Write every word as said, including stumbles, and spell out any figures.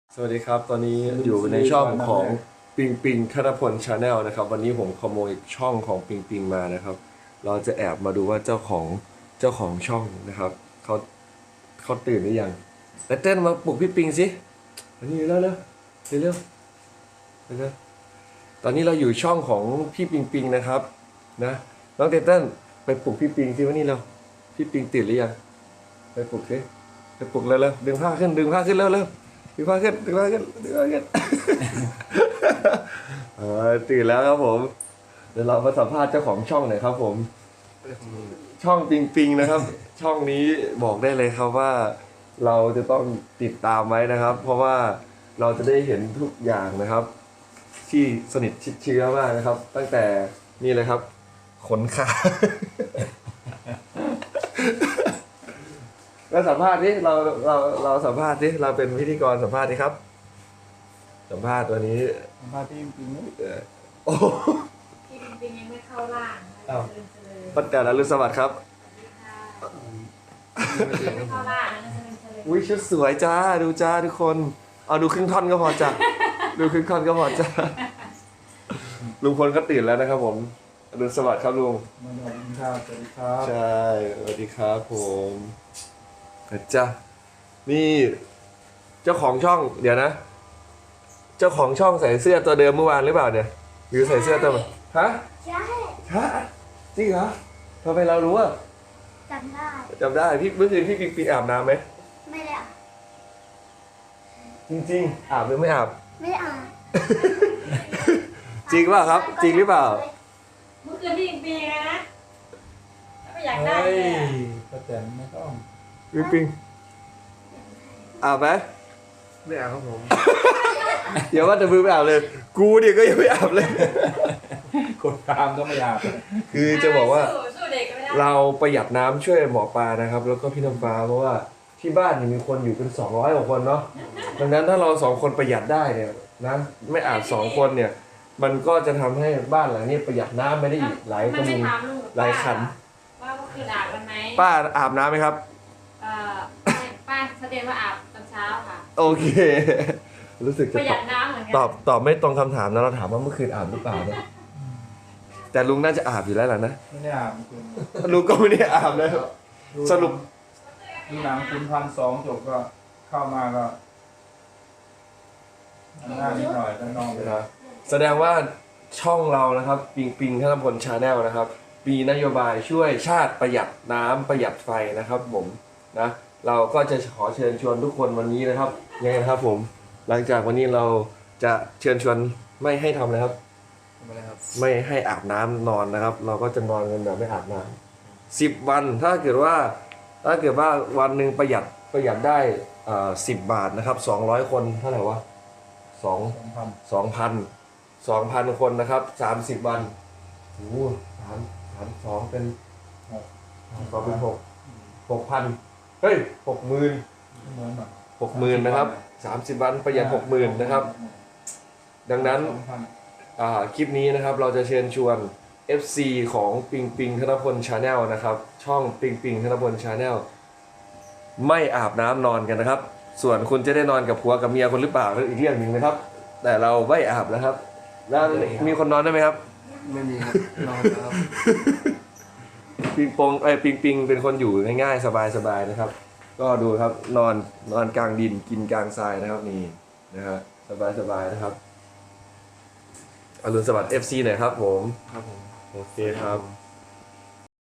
สวัสดีครับตอนนี้อยู่ในช่องของปิงปิงคณพลชาแนลนะครับวันนี้ผมขโมยช่องของปิงปิงมานะครับเราจะแอบมาดูว่าเจ้าของเจ้าของช่องนะครับเขาเขาตื่นหรือยังแต่เต้นมาปลุกพี่ปิงสิอันนี้เร็วเร็วเร็วเร็วเร็วตอนนี้เราอยู่ช่องของพี่ปิงปิงนะครับนะน้องเต้นไปปลุกพี่ปิงสิวันนี้เราพี่ปิงตื่นหรือยังไปปลุกสิไปปลุกเร็วเร็วดึงผ้าขึ้นดึงผ้าขึ้นเร็วเร็วดึงผ้าขึ้นดึงผ้าขึ้นดึงผ้าขึ้น เออตื่นแล้วครับผมเดี๋ยวเรามาสัมภาษณ์เจ้าของช่องหน่อยครับผมช่องปิงปิงนะครับ ช่องนี้บอกได้เลยครับว่าเราจะต้องติดตามไว้นะครับ เพราะว่าเราจะได้เห็นทุกอย่างนะครับ ที่สนิทชิดเชื้อมากนะครับ ตั้งแต่นี่เลยครับขนขา เราสัมภาษณ์ดิเราเราเราสัมภาษณ์ดิเราเป็นพิธีกรสัมภาษณ์ดิครับ สัมภาษณ์ตัวนี้มาที่จริงๆนะเอ่อโอ้พี่ปิงปิงยังไม่เข้าร่างนะเจริญเจริญปัจจัยอรุณสวัสดิ์ครับสวัสดีค่ะยังไม่เข้าร่างนะเจริญเจริญอุ้ยชุดสวยจ้าดูจ้าทุกคนเอาดูครึ่งท่อนก็พอจ้ะ ดูครึ่งท่อนก็พอจ้าลุงพลก็ตื่นแล้วนะครับผมอรุณสวัสดิ์ครับลุงมาดูกินข้าวสวัสดีครับใช่สวัสดีครับผมจ้านี่เจ้าของช่องเดี๋ยวนะ เจ้าของช่องใส่เสื้อตัวเดิมเมื่อวานหรือเปล่าเนี่ยหรือใส่เสื้อตัวใหม่ฮะใช่ฮะจริงเหรอทำไมเรารู้อ่ะจำได้จำได้พี่เมื่อคืนพี่ปิงปิงอาบน้ำไหมไม่ได้อ่ะจริงๆอาบหรือไม่อาบไม่ได้อ่านจริงเปล่าครับ จริงหรือเปล่าเมื่อคืนพี่ปิงปิงนะไม่อยากได้เฮ้ยเลยอะป้าแตนไม่ต้องปิงปิงอาบไหมไม่เอาครับผมอย่าว่าแต่มือไม่อาบเลย กูเนี่ยก็ยังไม่อาบเลยคนตามก็ไม่อาบคือจะบอกว่าสู้สู้เด็กก็ไม่ได้เราประหยัดน้ำช่วยหมอปลานะครับ แล้วก็พี่น้ำฟ้าเพราะว่าที่บ้านเนี่ยมีคนอยู่เป็นสองร้อยกว่าคนเนาะดังนั้นถ้าเราสองคนประหยัดได้เนี่ยนะไม่อาบสองคนเนี่ย มันก็จะทำให้บ้านหลังนี้ประหยัดน้ำไม่ได้อีกหลายกมัระนไม่มุงถามลุงกับหลายขันว่าเมื่อคืนอาบกันไหมป้าอาบน้ำไหมครับเอ่อไม่ป้าแสดงว่าอาบตอนเช้าค่ะโอเค รู้สึกปจะระหตยัอบดน้ำเหมือนกัตอบตอบไม่ตรงคำถามนะเราถามว่าเมื่อคืนอาบหรือเปล่าเนี่ยแต่ลุงน่าจะอาบอยู่แล้วล่ะนะไม่ได้อาบคุณลุงก็ไม่ได้อาบนะสรุปดูหนังคุณพันสองจบก็เข้ามาก็หน้านิดหน่อยด้านนอกไปนะครับแสดงว่าช่องเรานะครับปิงปิงธนพลชาแนลนะครับมีนโยบายช่วยชาติประหยัดน้ำประหยัดไฟนะครับผมนะเราก็จะขอเชิญชวนทุกคนวันนี้นะครับยังไงนะครับผมหลังจากวันนี้เราจะเชิญชวนไม่ให้ทำนะครับทำไมครับไม่ให้อาบน้ำนอนนะครับ เราก็จะนอนกันแบบไม่อาบน้ำสิบวันถ้าเกิดว่าถ้าเกิดว่าวันหนึ่งประหยัดประหยัดได้อ่าสิบบาทนะครับสองร้อยคนเท่าไหร่วะสองสองพันสองพันสองพันคนนะครับสามสิบวันโอ้โหสามสามสองเป็นหกสองเป็นหกหกพันเฮ้ยหกหมื่นเหมือนแบบหกหมื่นนะครับสามสิบวันประหยัดหกหมื่นนะครับ ดังนั้นสองพันอ่าคลิปนี้นะครับเราจะเชิญชวน เอฟ ซี ของปิงปิงธนพลชาแนลนะครับช่องปิงปิงธนพลชาแนลไม่อาบน้ำนอนกันนะครับ ส่วนคุณจะได้นอนกับผัวกับเมียคนหรือเปล่านั่นอีกเรื่องหนึ่งนะครับ แต่เราไม่อาบนะครับ แล้วมีคนนอนได้ไหมครับไม่มีครับนอนแล้วครับปิงปองไอ้ยปิงปิงเป็นคนอยู่ง่ายๆสบายๆนะครับ ก็ดูครับนอนนอนกลางดินกินกลางทรายนะครับนี่นะฮะสบายๆนะครับอรุณสวัสดิ์ เอฟ ซี หน่อยครับผมครับผมโอเคครับ